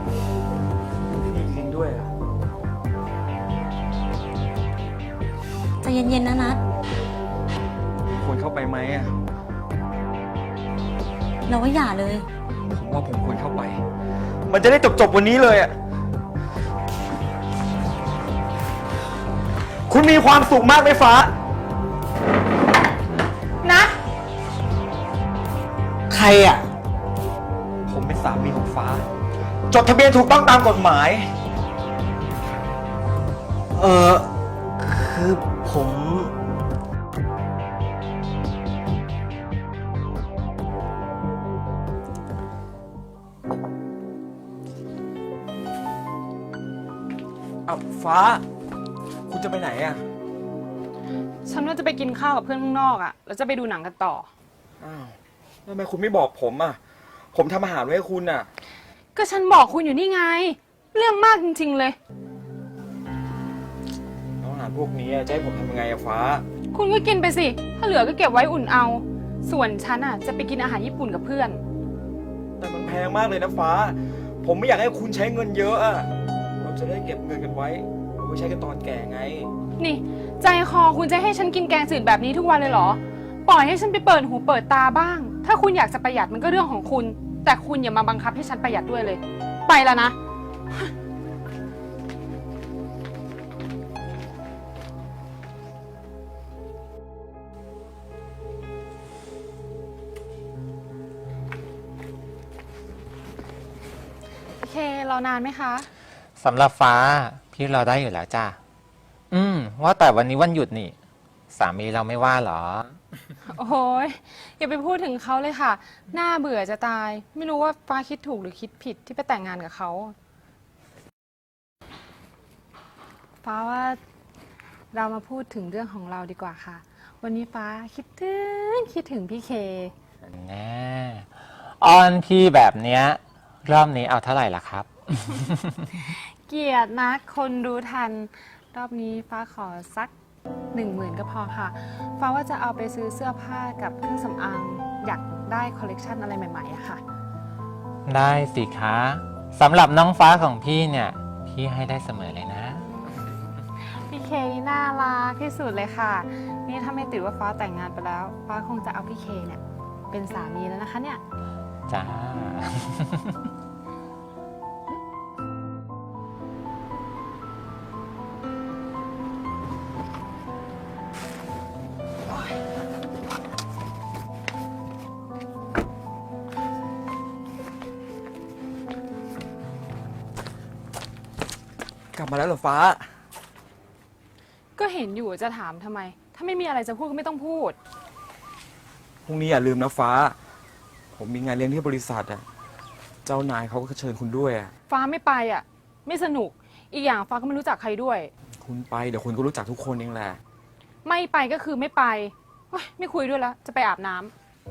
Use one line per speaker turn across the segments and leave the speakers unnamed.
มีจริงด้วยอ่ะ
ใจเย็นๆนะนัด
ควรเข้าไปไหมอ่ะ
เราว่าอย่าเลย
ผมว่าผมควรเข้าไป มันจะได้จบวันนี้เลยอ่ะ คุณมีความสุขมากไหมฟ้า
นะ
ใครอ่ะ ผมเป็นสามีของฟ้า จดทะเบียนถูกต้องตามกฎหมาย
คือผม
อ้าวฟ้า คุณจะไปไหนอ่ะ
ฉันว่าจะไปกินข้าวกับเพื่อนข้างนอกอะแล้วจะไปดูหนังกันต่อ
อ้าวทำไมคุณไม่บอกผมอ่ะ ผมทำอาหารไว้ให้คุณอ่ะ
ก็ฉันบอกคุณอยู่นี่ไง เรื่องมากจริงๆเลย
แล้วอาหารพวกนี้จะให้ผมทำยังไงอะฟ้า
คุณก็กินไปสิ ถ้าเหลือก็เก็บไว้อุ่นเอา ส่วนฉันอะจะไปกินอาหารญี่ปุ่นกับเพื่อน
แต่มันแพงมากเลยนะฟ้า ผมไม่อยากให้คุณใช้เงินเยอะอะเราจะได้เก็บเงินกันไว้เอาไว้ใช้กันตอนแก่ไง
นี่ ใจคอคุณจะให้ฉันกินแกงจืดแบบนี้ทุกวันเลยเหรอ ปล่อยให้ฉันไปเปิดหูเปิดตาบ้าง ถ้าคุณอยากจะประหยัดมันก็เรื่องของคุณ แต่คุณอย่ามาบังคับให้ฉันประหยัดด้วยเลย ไปแล้วนะ โอเค รอนานไหมคะ
สำหรับฟ้าพี่รอได้อยู่แล้วจ้าว่าแต่วันนี้วันหยุดนี่ สามีเราไม่ว่าเหรอ
โอ้ยอย่าไปพูดถึงเขาเลยค่ะ น่าเบื่อจะตาย ไม่รู้ว่าฟ้าคิดถูกหรือคิดผิดที่ไปแต่งงานกับเขา ฟ้าว่าเรามาพูดถึงเรื่องของเราดีกว่าค่ะ วันนี้ฟ้าคิดถึงพี่เค
แน่ออนพี่แบบเนี้ยรอบนี้เอาเท่าไหร่ล่ะครับ
เกลียดนะคนรู้ทัน รอบนี้ฟ้าขอสัก 10,000 ก็พอค่ะ ฟ้าว่าจะเอาไปซื้อเสื้อผ้ากับเครื่องสำอางอยากได้คอลเลกชันอะไรใหม่ๆอะค่ะ
ได้สิคะสำหรับน้องฟ้าของพี่เนี่ย พี่ให้ได้เสมอเลยนะ
พี่เคนี่น่ารักที่สุดเลยค่ะ นี่ถ้าไม่ติดว่าฟ้าแต่งงานไปแล้ว ฟ้าคงจะเอาพี่เคเนี่ยเป็นสามีแล้วนะคะเนี่ย
จ้า
กลับมาแล้วเหรอฟ้า
ก็เห็นอยู่จะถามทำไม ถ้าไม่มีอะไรจะพูดก็ไม่ต้องพูด
พรุ่งนี้อย่าลืมนะฟ้า ผมมีงานเลี้ยงที่บริษัทอะเจ้านายเขาก็เชิญคุณด้วยอะ
ฟ้าไม่ไปอ่ะ ไม่สนุก อีกอย่างฟ้าก็ไม่รู้จักใครด้วย
คุณไปเดี๋ยวคุณก็รู้จักทุกคนเองแหละ
ไม่ไปก็คือไม่ไปโอ๊ยไม่คุยด้วยแล้ว จะไปอาบน้ำ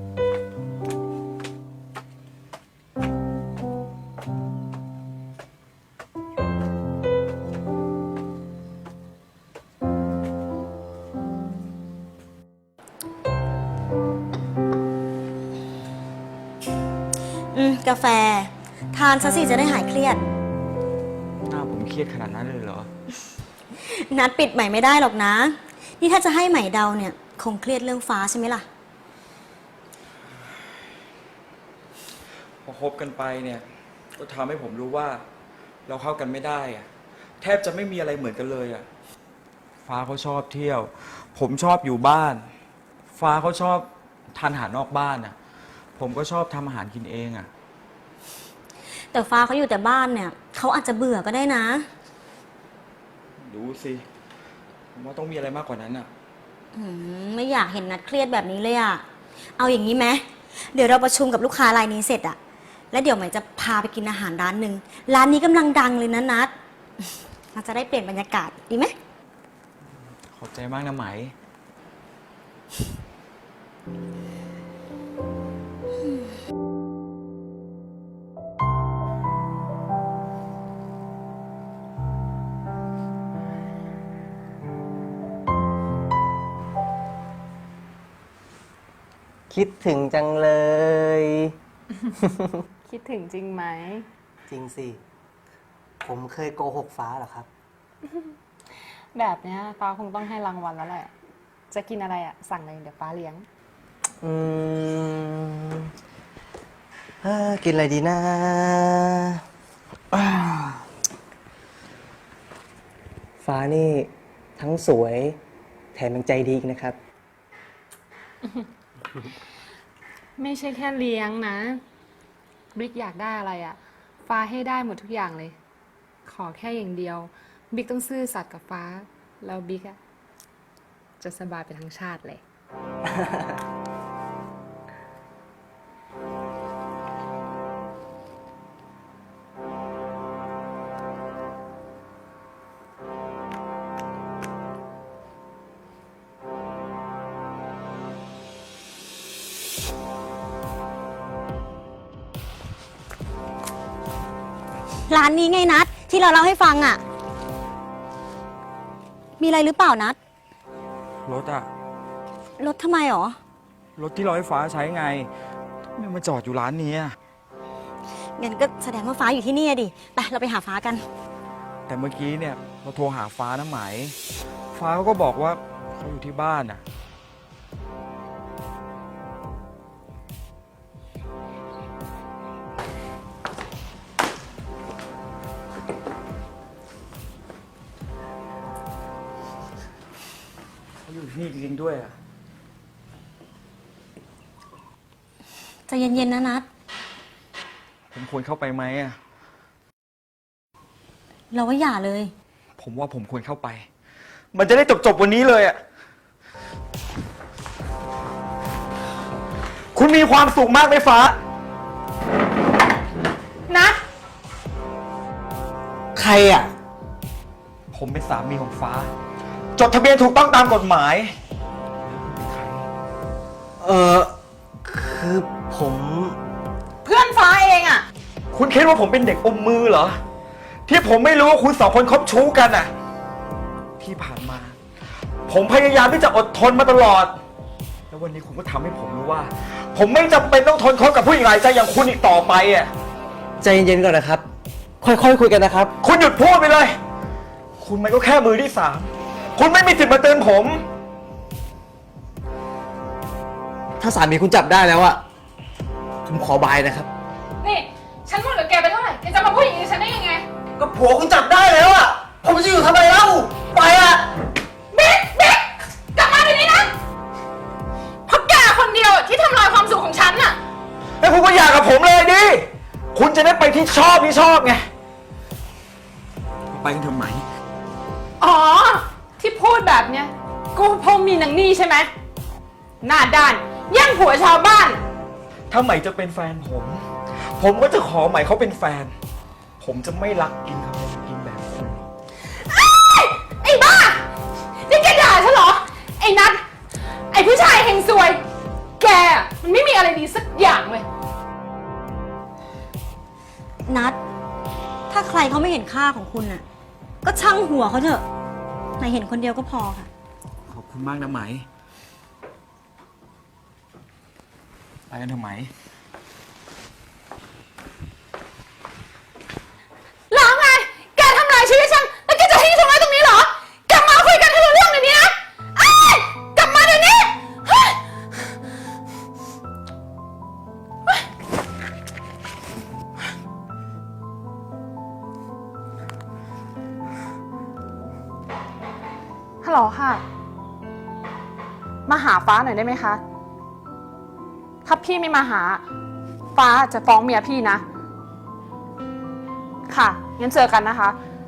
กาแฟ ทานซะสิจะได้หายเครียด
หน้าผมเครียดขนาดนั้นเลยเหรอ
นัดปิดใหม่ไม่ได้หรอกนะ นี่ถ้าจะให้ใหม่เดาเนี่ย คงเครียดเรื่องฟ้าใช่ไหมล่ะ
พอคบกันไปเนี่ย ก็ทำให้ผมรู้ว่า เราเข้ากันไม่ได้อะแทบจะไม่มีอะไรเหมือนกันเลยอะฟ้าเขาชอบเที่ยว ผมชอบอยู่บ้าน ฟ้าเขาชอบทานอาหารนอกบ้านอะผมก็ชอบทำอาหารกินเองอะ
แต่ฟ้าเขาอยู่แต่บ้านเนี่ยเขาอาจจะเบื่อก็ได้นะ
ดูสิผมว่าต้องมีอะไรมากกว่านั้นอะ
ไม่อยากเห็นนัดเครียดแบบนี้เลยอะเอาอย่างนี้ไหมเดี๋ยวเราประชุมกับลูกค้ารายนี้เสร็จอะแล้วเดี๋ยวใหม่จะพาไปกินอาหารร้านหนึ่งร้านนี้กำลังดังเลยนะนัดเราจะได้เปลี่ยนบรรยากาศดีไหม
ขอบใจมากนะไหม
คิดถึงจังเลย
คิดถึงจริงไหม
จริงสิ
ผมเคยโกหกฟ้าเหรอครับ
แบบเนี้ยฟ้าคงต้องให้รางวัลแล้วแหละ จะกินอะไรอ่ะ สั่งเลยเดี๋ยวฟ้าเลี้ยง
อืมกินอะไรดีนะอ่าฟ้านี่ทั้งสวยแถมยังใจดีอีกนะครับ
ไม่ใช่แค่เลี้ยงนะบิ๊กอยากได้อะไรอ่ะ ฟ้าให้ได้หมดทุกอย่างเลย ขอแค่อย่างเดียวบิ๊กต้องซื่อสัตย์กับฟ้า แล้วบิ๊กอ่ะจะสบายไปทั้งชาติเลย
ร้านนี้ไงนัดที่เราเล่าให้ฟังอะมีอะไรหรือเปล่านัด
รถอะ
รถทำไมหรอ
รถที่เราให้ฟ้าใช้ไงทำไมมาจอดอยู่ร้านนี้อะ
งั้นก็แสดงว่าฟ้าอยู่ที่นี่อะดิ ไปเราไปหาฟ้ากัน
แต่เมื่อกี้เนี่ยเราโทรหาฟ้านะไหม ฟ้าเขาก็บอกว่าเขาอยู่ที่บ้านอะเขาอยู่ที่นี่จริงๆด้วยอะ
ใจเย็นๆนะนัด
ผมควรเข้าไปไหมอะ
เราว่าอย่าเลย
ผมว่าผมควรเข้าไป มันจะได้จบวันนี้เลยอะคุณมีความสุขมากไหมฟ้า
นะ
ใครอ่ะ
ผมเป็นสามีของฟ้า จดทะเบียนถูกต้องตามกฎหมาย
คือผม
เพื่อนฟ้าเองอ่ะ
คุณคิดว่าผมเป็นเด็กอมมือเหรอ ที่ผมไม่รู้ว่าคุณสองคนคบชู้กันน่ะ ที่ผ่านมา ผมพยายามที่จะอดทนมาตลอด แล้ววันนี้คุณก็ทำให้ผมรู้ว่า ผมไม่จำเป็นต้องทนคบกับผู้หญิงหลายใจอย่างคุณอีกต่อไปอ่ะ
ใจเย็นๆก่อนนะครับ ค่อยๆคุยกันนะครับ
คุณหยุดพูดไปเลย คุณมันก็แค่มือที่สาม คุณไม่มีสิทธิ์มาเตือนผม
ถ้าสามีคุณจับได้แล้วอะผมขอบายนะครับ
นี่ ฉันหมดกับแกไปเท่าไหร่ แกจะมาพูดอย่างนี้ฉันได้ยังไง
ก็ผัวคุณจับได้แล้วอะผมจะอยู่ทำไมเล่า ไปอะ
บิ๊กกลับมาเดี๋ยวนี้นะเพราะแกคนเดียวที่ทำลายความสุขของฉันน่ะ
แล้วคุณก็อยากกับผมเลยดิ คุณจะได้ไปที่ชอบไง ไปกันเถอะไหม
อ๋อ ที่พูดแบบเนี้ยกูเพราะมีนางนี่ใช่ไหมหน้าด้านแย่งผัวชาวบ้าน
ถ้าไหมจะเป็นแฟนผม ผมก็จะขอไหมเขาเป็นแฟน ผมจะไม่รักกินคำว่ากินแบบคุณหรอก
ไอ้บ้า นี่แกด่าฉันเหรอ ไอ้นัทไอ้ผู้ชายเฮงซวย แกมันไม่มีอะไรดีสักอย่างเลย
นัด ถ้าใครเขาไม่เห็นค่าของคุณน่ะ ก็ช่างหัวเขาเถอะนายเห็นคนเดียวก็พอค่ะ
ขอบคุณมากนะไหม ไปกันเถอะไหม
แล้วไง แกทำลายชีวิตฉัน แล้วแกจะทิ้งฉันไว้ตรงนี้เหรอ กลับมาคุยกันให้รู้เรื่องเดี๋ยวนี้นะเอ้ยกลับมาเดี๋ยวนี้เฮ้ย ฮัลโหลค่ะ มาหาฟ้าหน่อยได้ไหมคะ ถ้าพี่ไม่มาหา ฟ้าจะฟ้องเมียพี่นะ ค่ะ งั้นเจอกันนะคะ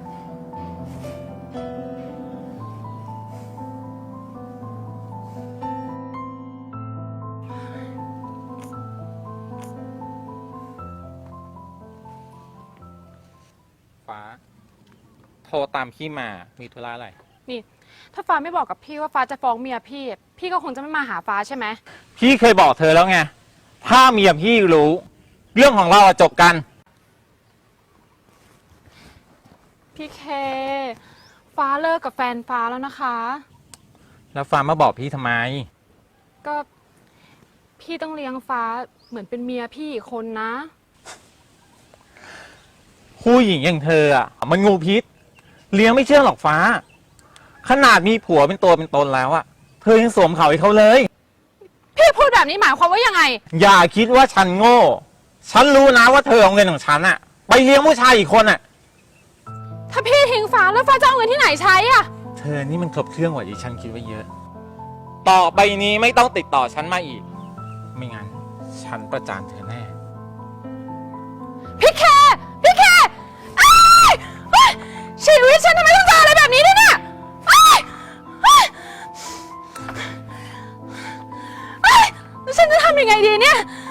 ฟ้า โทรตามพี่มา มีธุระอะไร
นี่ ถ้าฟ้าไม่บอกกับพี่ว่าฟ้าจะฟ้องเมียพี่ พี่ก็คงจะไม่มาหาฟ้าใช่ไหม
พี่เคยบอกเธอแล้วไง ถ้าเมียพี่รู้ เรื่องของเราอะจบกัน
พี่เค ฟ้าเลิกกับแฟนฟ้าแล้วนะคะ
แล้วฟ้ามาบอกพี่ทำไม
ก็พี่ต้องเลี้ยงฟ้าเหมือนเป็นเมียพี่อีกคนนะ
โหผู้หญิงอย่างเธออ่ะมันงูพิษ เลี้ยงไม่เชื่องหรอกฟ้า ขนาดมีผัวเป็นตัวเป็นตนแล้วอ่ะเธอยังสวมเขาให้เขาเลย
พี่พูดแบบนี้หมายความว่ายังไง
อย่าคิดว่าฉันโง่ ฉันรู้นะว่าเธอเอาเงินของฉันอ่ะ ไปเลี้ยงผู้ชายอีกคนอ่ะ
ถ้าพี่ทิ้งฟ้าแล้วฟ้าจะเอาเงินที่ไหนใช้อะ
เธอนี่มันครบเครื่องกว่าที่ฉันคิดไว้เยอะ ต่อไปนี้ไม่ต้องติดต่อฉันมาอีก ไม่งั้น ฉันประจานเธอแน่
พี่แคอ้ายเฮ้ยชีวิตฉันทำไมต้องเจออะไรแบบนี้ด้วยเนี่ยอ้ายเฮ้ยเฮ้ยแล้วฉันจะทำยังไงดีเนี่ย